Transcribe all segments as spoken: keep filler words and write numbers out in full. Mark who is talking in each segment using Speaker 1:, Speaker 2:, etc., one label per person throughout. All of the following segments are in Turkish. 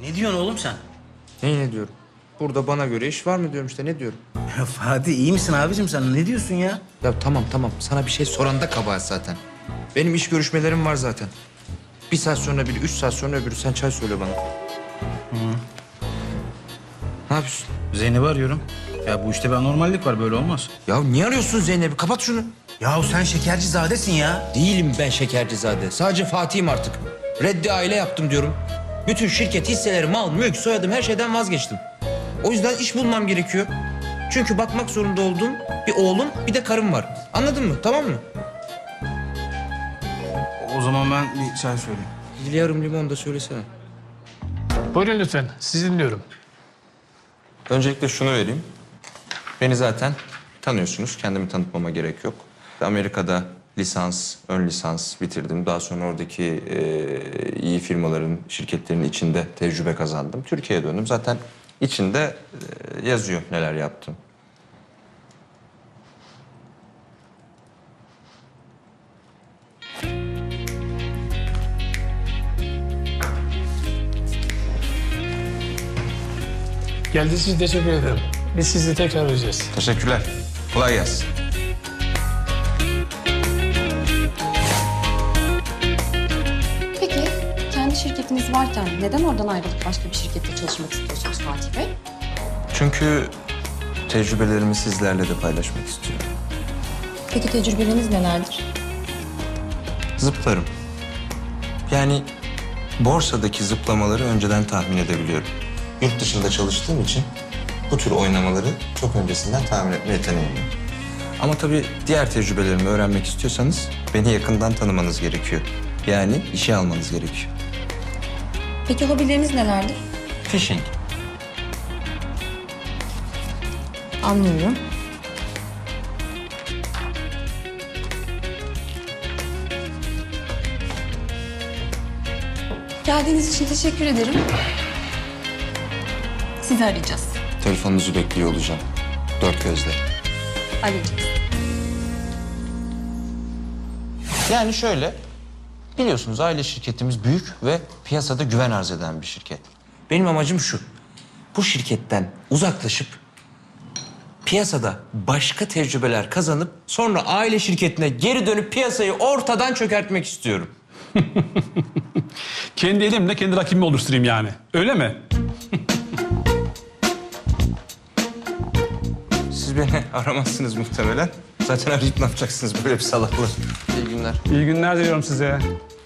Speaker 1: Ne diyorsun oğlum sen?
Speaker 2: Neyi ne diyorum? Burada bana göre iş var mı diyorum işte, ne diyorum?
Speaker 1: Ya Fatih iyi misin abicim sen? Ne diyorsun ya?
Speaker 2: Ya tamam tamam, sana bir şey soran da kabahat zaten. Benim iş görüşmelerim var zaten. Bir saat sonra biri, üç saat sonra öbürü. Sen çay söyle bana. Hı. Ne yapıyorsun?
Speaker 1: Zeynep'i arıyorum. Ya bu işte bir anormallik var, böyle olmaz.
Speaker 2: Ya niye arıyorsun Zeynep'i? Kapat şunu.
Speaker 1: Ya sen şekercizadesin ya.
Speaker 2: Değilim ben Şekercizade. Sadece Fatih'im artık. Reddi aile yaptım diyorum. Bütün şirket hisseleri, mal, mülk, soyadım, her şeyden vazgeçtim. O yüzden iş bulmam gerekiyor. Çünkü bakmak zorunda olduğum bir oğlum, bir de karım var. Anladın mı? Tamam mı?
Speaker 1: O zaman ben bir çay söyleyeyim.
Speaker 2: Bir yarım limon da söylesene.
Speaker 3: Buyurun lütfen, sizi dinliyorum.
Speaker 2: Öncelikle şunu vereyim. Beni zaten tanıyorsunuz. Kendimi tanıtmama gerek yok. Amerika'da lisans, ön lisans bitirdim. Daha sonra oradaki e, iyi firmaların, şirketlerin içinde tecrübe kazandım. Türkiye'ye döndüm. Zaten içinde e, yazıyor neler yaptım.
Speaker 3: Geldiğiniz için teşekkür ederim. Biz sizi tekrar arayacağız.
Speaker 2: Teşekkürler. Kolay gelsin.
Speaker 4: Peki, kendi şirketiniz varken neden oradan ayrılıp başka bir şirkette çalışmak istiyorsunuz Fatih Bey?
Speaker 2: Çünkü tecrübelerimi sizlerle de paylaşmak istiyorum.
Speaker 4: Peki tecrübeleriniz nelerdir?
Speaker 2: Zıplarım. Yani borsadaki zıplamaları önceden tahmin edebiliyorum. Yurt dışında çalıştığım için bu tür oynamaları çok öncesinden tahmin etme yeteneğim var. Ama tabii diğer tecrübelerimi öğrenmek istiyorsanız beni yakından tanımanız gerekiyor. Yani işe almanız gerekiyor.
Speaker 4: Peki hobileriniz nelerdir?
Speaker 2: Fishing.
Speaker 4: Anlıyorum. Geldiğiniz için teşekkür ederim. Sizi arayacağız.
Speaker 2: Telefonunuzu bekliyor olacağım. Dört gözle.
Speaker 4: Arayacağız.
Speaker 2: Yani şöyle, biliyorsunuz aile şirketimiz büyük ve piyasada güven arz eden bir şirket. Benim amacım şu, bu şirketten uzaklaşıp piyasada başka tecrübeler kazanıp sonra aile şirketine geri dönüp piyasayı ortadan çökertmek istiyorum.
Speaker 3: Kendi elimle kendi rakibimi oluşturayım yani. Öyle mi?
Speaker 2: Siz beni aramazsınız muhtemelen. Zaten arayıp ne yapacaksınız böyle bir salaklığı? İyi günler.
Speaker 3: İyi günler diliyorum size.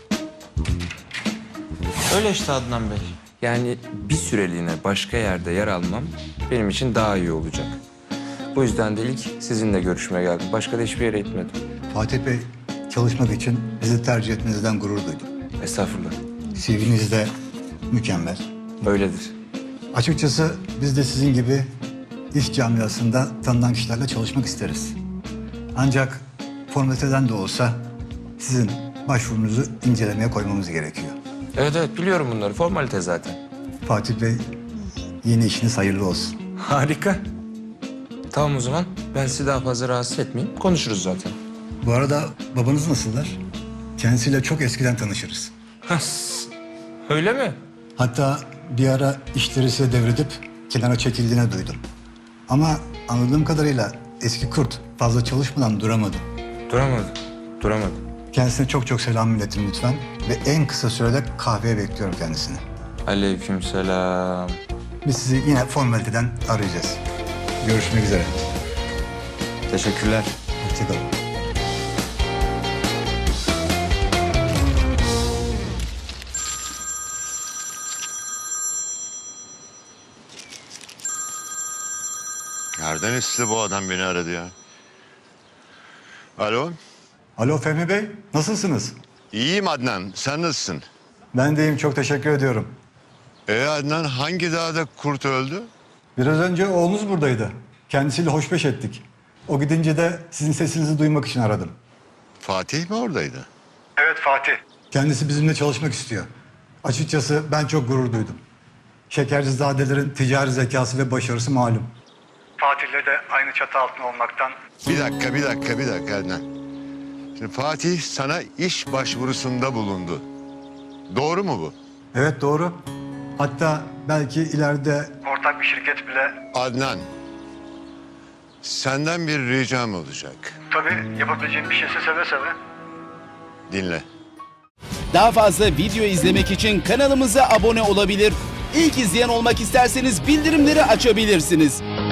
Speaker 2: Öyle işte Adnan Bey. Yani bir süreliğine başka yerde yer almam benim için daha iyi olacak. Bu yüzden de ilk sizinle görüşmeye geldim. Başka da hiçbir yere gitmedim.
Speaker 5: Fatih Bey, çalışmak için bizi tercih etmenizden gurur duydum.
Speaker 2: Estağfurullah.
Speaker 5: C V'niz de mükemmel.
Speaker 2: Öyledir.
Speaker 5: Açıkçası biz de sizin gibi iş camiasında tanınan kişilerle çalışmak isteriz. Ancak formaliteden de olsa sizin başvurunuzu incelemeye koymamız gerekiyor.
Speaker 2: Evet evet, biliyorum bunları. Formalite zaten.
Speaker 5: Fatih Bey, yeni işiniz hayırlı olsun.
Speaker 2: Harika. Tamam o zaman. Ben sizi daha fazla rahatsız etmeyeyim. Konuşuruz zaten.
Speaker 5: Bu arada babanız nasıllar? Kendisiyle çok eskiden tanışırız.
Speaker 2: Öyle mi?
Speaker 5: Hatta bir ara işleri size devredip kenara çekildiğini duydum. Ama anladığım kadarıyla eski kurt fazla çalışmadan duramadı.
Speaker 2: Duramadım. Duramadım.
Speaker 5: Kendisine çok çok selam iletin lütfen. Ve en kısa sürede kahveye bekliyorum kendisini.
Speaker 2: Aleykümselam.
Speaker 5: Biz sizi yine formaliteden arayacağız. Görüşmek üzere.
Speaker 2: Teşekkürler.
Speaker 5: Hoşçakalın.
Speaker 6: Nereden esti bu adam beni aradı ya? Alo,
Speaker 5: Alo Fehmi Bey, nasılsınız?
Speaker 6: iyiyim Adnan. Sen nasılsın?
Speaker 5: Ben de iyiyim, çok teşekkür ediyorum.
Speaker 6: E Adnan, hangi dağda kurt öldü?
Speaker 5: Biraz önce oğlunuz buradaydı. Kendisiyle hoşbeş ettik. O gidince de sizin sesinizi duymak için aradım.
Speaker 6: Fatih mi oradaydı?
Speaker 5: Evet Fatih. Kendisi bizimle çalışmak istiyor. Açıkçası ben çok gurur duydum. Şekercizadelerin ticari zekası ve başarısı malum. Fatih'le de aynı çatı altında olmaktan...
Speaker 6: Bir dakika, bir dakika, bir dakika Adnan. Şimdi Fatih sana iş başvurusunda bulundu. Doğru mu bu?
Speaker 5: Evet doğru. Hatta belki ileride ortak bir şirket bile...
Speaker 6: Adnan, senden bir ricam olacak.
Speaker 5: Tabii yapabileceğim bir şeyse seve seve.
Speaker 6: Dinle.
Speaker 7: Daha fazla video izlemek için kanalımıza abone olabilir. İlk izleyen olmak isterseniz bildirimleri açabilirsiniz.